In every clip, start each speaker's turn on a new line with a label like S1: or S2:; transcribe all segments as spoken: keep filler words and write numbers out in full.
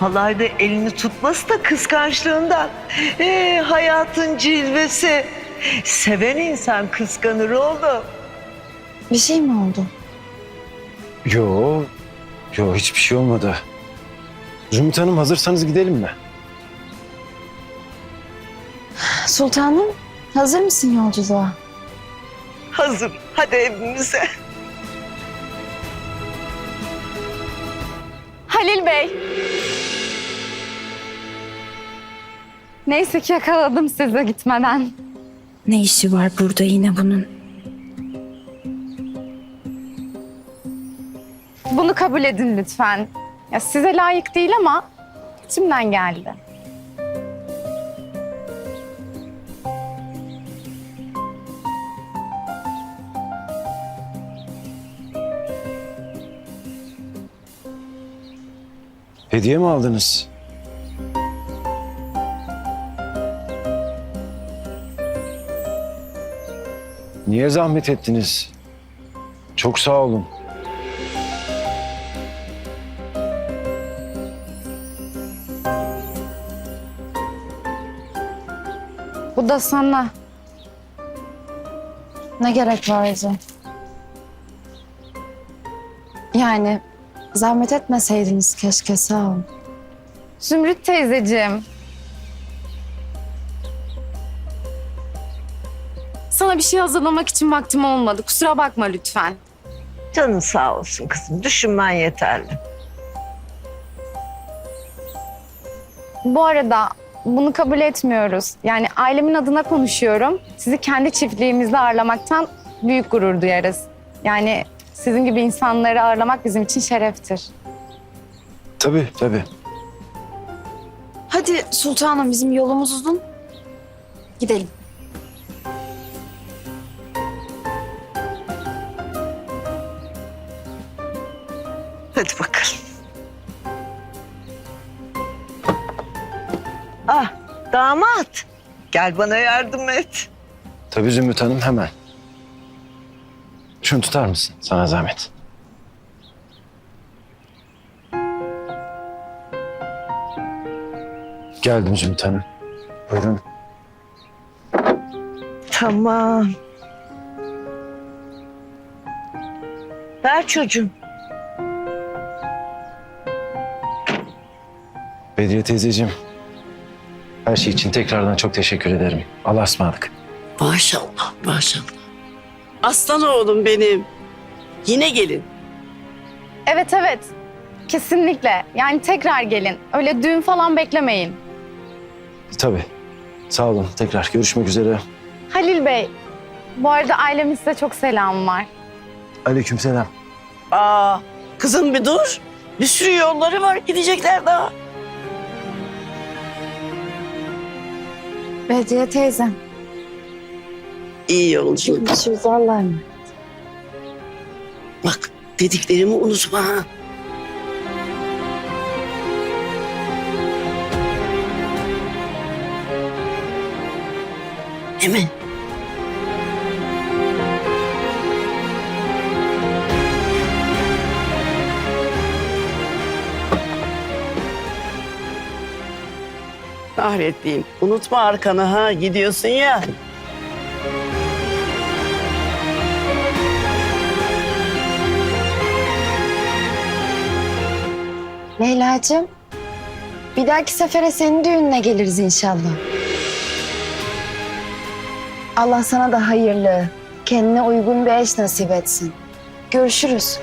S1: halayda elini tutması da kıskançlığından. Ee, hayatın cilvesi. Seven insan kıskanır oğlum.
S2: Bir şey mi oldu?
S3: Yo, yo hiçbir şey olmadı. Zümrüt Hanım hazırsanız gidelim mi?
S2: Sultanım, hazır mısın yolculuğa?
S1: Hazır. Hadi evimize.
S4: Halil Bey. Neyse ki yakaladım sizi gitmeden.
S2: Ne işi var burada yine bunun?
S4: Bunu kabul edin lütfen. Ya size layık değil ama içimden geldi.
S3: Hediye mi aldınız? Niye zahmet ettiniz? Çok sağ olun.
S4: Bu da sana.
S2: Ne gerek vardı? Yani zahmet etmeseydiniz keşke, sağ olun.
S4: Zümrüt teyzeciğim. Sana bir şey hazırlamak için vaktim olmadı. Kusura bakma lütfen.
S1: Canın sağ olsun kızım. Düşünmen yeterli.
S4: Bu arada bunu kabul etmiyoruz. Yani ailemin adına konuşuyorum. Sizi kendi çiftliğimizde ağırlamaktan büyük gurur duyarız. Yani sizin gibi insanları ağırlamak bizim için şereftir.
S3: Tabii, tabii.
S2: Hadi sultanım, bizim yolumuz uzun. Gidelim.
S1: Hadi bakalım. Ah, damat. Gel bana yardım et.
S3: Tabii Zümrüt Hanım, hemen. Şunu tutar mısın? Sana zahmet. Geldim Zümrüt Hanım. Buyurun.
S1: Tamam. Ver çocuğum.
S3: Bedriye teyzeciğim. Her şey için tekrardan çok teşekkür ederim. Allah'a ısmarladık.
S5: Maşallah, maşallah. Aslan oğlum benim. Yine gelin.
S4: Evet evet. Kesinlikle. Yani tekrar gelin. Öyle düğün falan beklemeyin.
S3: Tabii. Sağ olun. Tekrar görüşmek üzere.
S4: Halil Bey, bu arada ailemin size çok selamı var.
S3: Aleykümselam.
S5: Aa, kızım bir dur. Bir sürü yolları var, gidecekler daha.
S2: Bedriye teyzem.
S5: İyi yolculuk.
S2: Görüşürüz, Allah'a emanet.
S5: Bak, dediklerimi unutma ha. Değil mi? Kahrettiğim. Unutma arkanı ha. Gidiyorsun ya.
S2: Leyla'cığım, bir dahaki sefere senin düğününe geliriz inşallah. Allah sana da hayırlı, kendine uygun bir eş nasip etsin. Görüşürüz.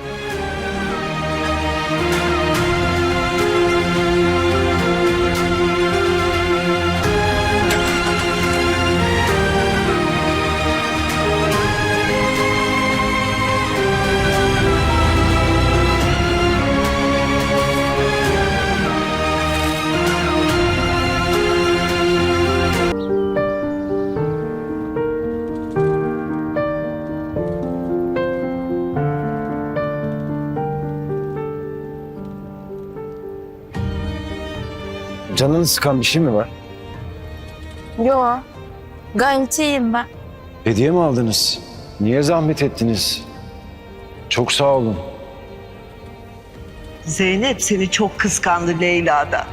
S3: Canını sıkan bir şey mi var?
S2: Yo, gayet iyiyim ben.
S3: Hediye mi aldınız? Niye zahmet ettiniz? Çok sağ olun.
S1: Zeynep seni çok kıskandı Leyla'da.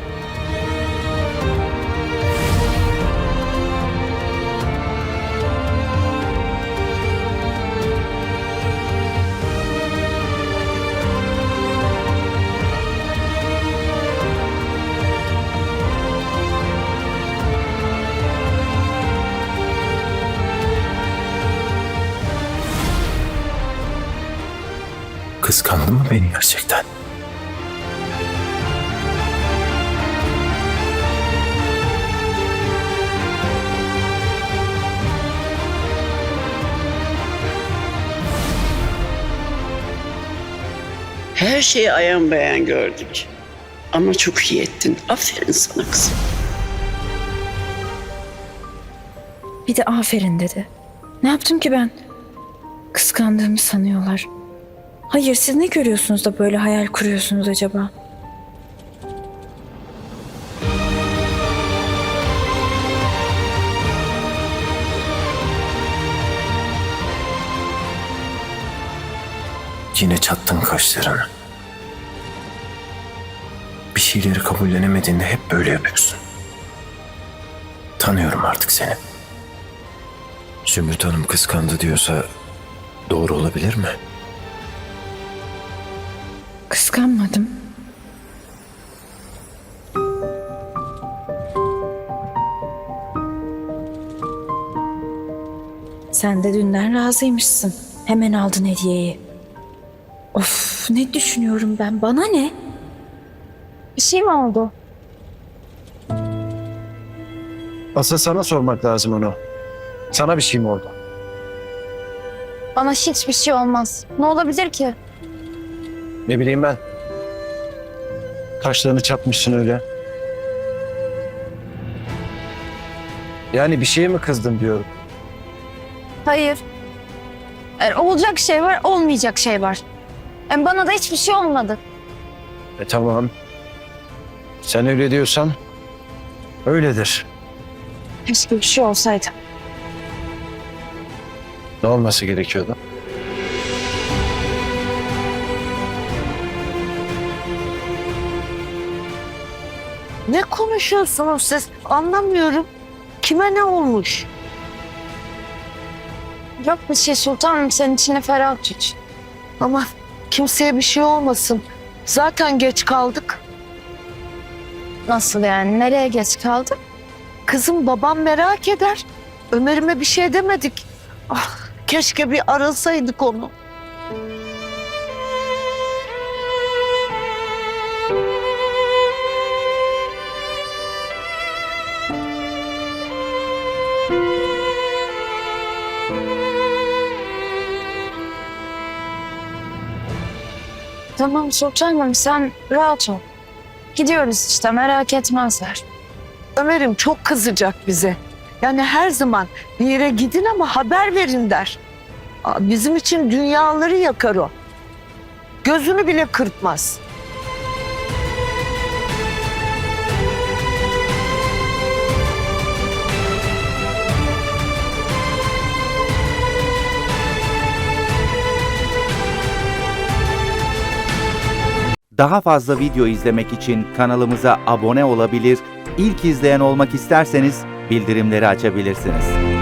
S3: Kıskandın mı beni gerçekten?
S5: Her şeyi ayan beyan gördük. Ama çok iyi ettin. Aferin sana kızım.
S6: Bir de aferin dedi. Ne yaptım ki ben? Kıskandığımı sanıyorlar. Hayır, siz ne görüyorsunuz da böyle hayal kuruyorsunuz acaba?
S3: Yine çattın kaşlarını. Bir şeyleri kabullenemediğinde hep böyle yapıyorsun. Tanıyorum artık seni. Zümrüt Hanım kıskandı diyorsa doğru olabilir mi?
S6: Kıskanmadım. Sen de dünden razıymışsın. Hemen aldın hediyeyi. Of, ne düşünüyorum ben? Bana ne?
S4: Bir şey mi oldu?
S3: Asıl sana sormak lazım onu. Sana bir şey mi oldu?
S4: Bana hiçbir şey olmaz. Ne olabilir ki?
S3: Ne bileyim ben. Kaşlarını çatmışsın öyle. Yani bir şeye mi kızdın diyorum.
S4: Hayır. Eğer olacak şey var, olmayacak şey var. Yani bana da hiçbir şey olmadı.
S3: E tamam. Sen öyle diyorsan öyledir.
S4: Keşke bir şey olsaydı.
S3: Ne olması gerekiyordu?
S1: Ne konuşuyorsunuz siz? Anlamıyorum. Kime ne olmuş?
S4: Yok bir şey sultanım, senin içine ferah tut.
S1: Ama kimseye bir şey olmasın. Zaten geç kaldık.
S4: Nasıl yani? Nereye geç kaldık?
S1: Kızım babam merak eder. Ömer'ime bir şey demedik. Ah, keşke bir arasaydık onu.
S4: Tamam sultanım, sen rahat ol. Gidiyoruz işte, merak etmezler.
S1: Ömer'im çok kızacak bize. Yani her zaman bir yere gidin ama haber verin der. Aa, bizim için dünyaları yakar o. Gözünü bile kırpmaz.
S7: Daha fazla video izlemek için kanalımıza abone olabilir, ilk izleyen olmak isterseniz bildirimleri açabilirsiniz.